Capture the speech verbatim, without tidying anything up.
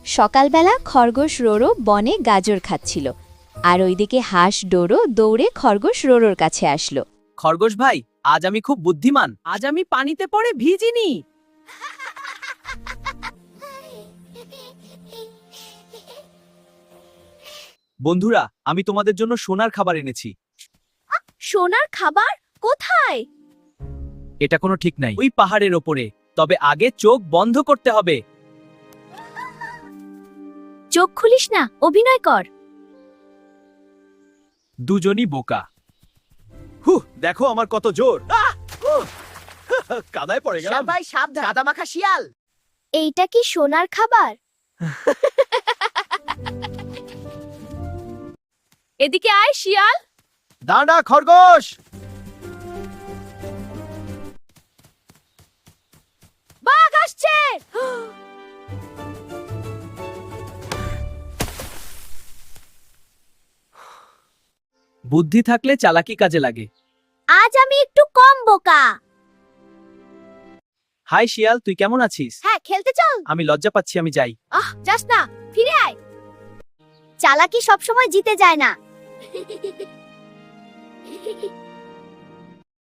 সকালবেলা খরগোশ রোরো বনে গাজর খাচ্ছিল, আর ওইদিকে হাঁস ডোরো দৌড়ে খরগোশ রোরোর কাছে আসলো। খরগোশ ভাই, আজ আমি খুব বুদ্ধিমান। আজ আমি পানিতে পড়ে ভিজিনি। বন্ধুরা, আমি তোমাদের জন্য সোনার খাবার এনেছি। সোনার খাবার কোথায়? এটা কোনো ঠিক নাই। ওই পাহাড়ের ওপরে। তবে আগে চোখ বন্ধ করতে হবে। চোখ খুলিস না, অভিনয় কর। দুজনই বোকা। হু, দেখো আমার কত জোর। আহ! উহ! কাদায় পড়ে গেলাম। সবাই সাবধান, কাদামাখা শিয়াল। এইটা কি সোনার খাবার? এদিকে আয় শিয়াল। দাঁড়া খরগোশ। বাঘ আসছে। বুদ্ধি থাকলে চালাকি কাজে লাগে। আজ আমি একটু কম বোকা। হাই শিয়াল, তুই কেমন আছিস? হ্যাঁ, খেলতে চল। আমি লজ্জা পাচ্ছি, আমি যাই। আহ, যাস না, ফিরে আয়। চালাকি সবসময় জিতে যায় না।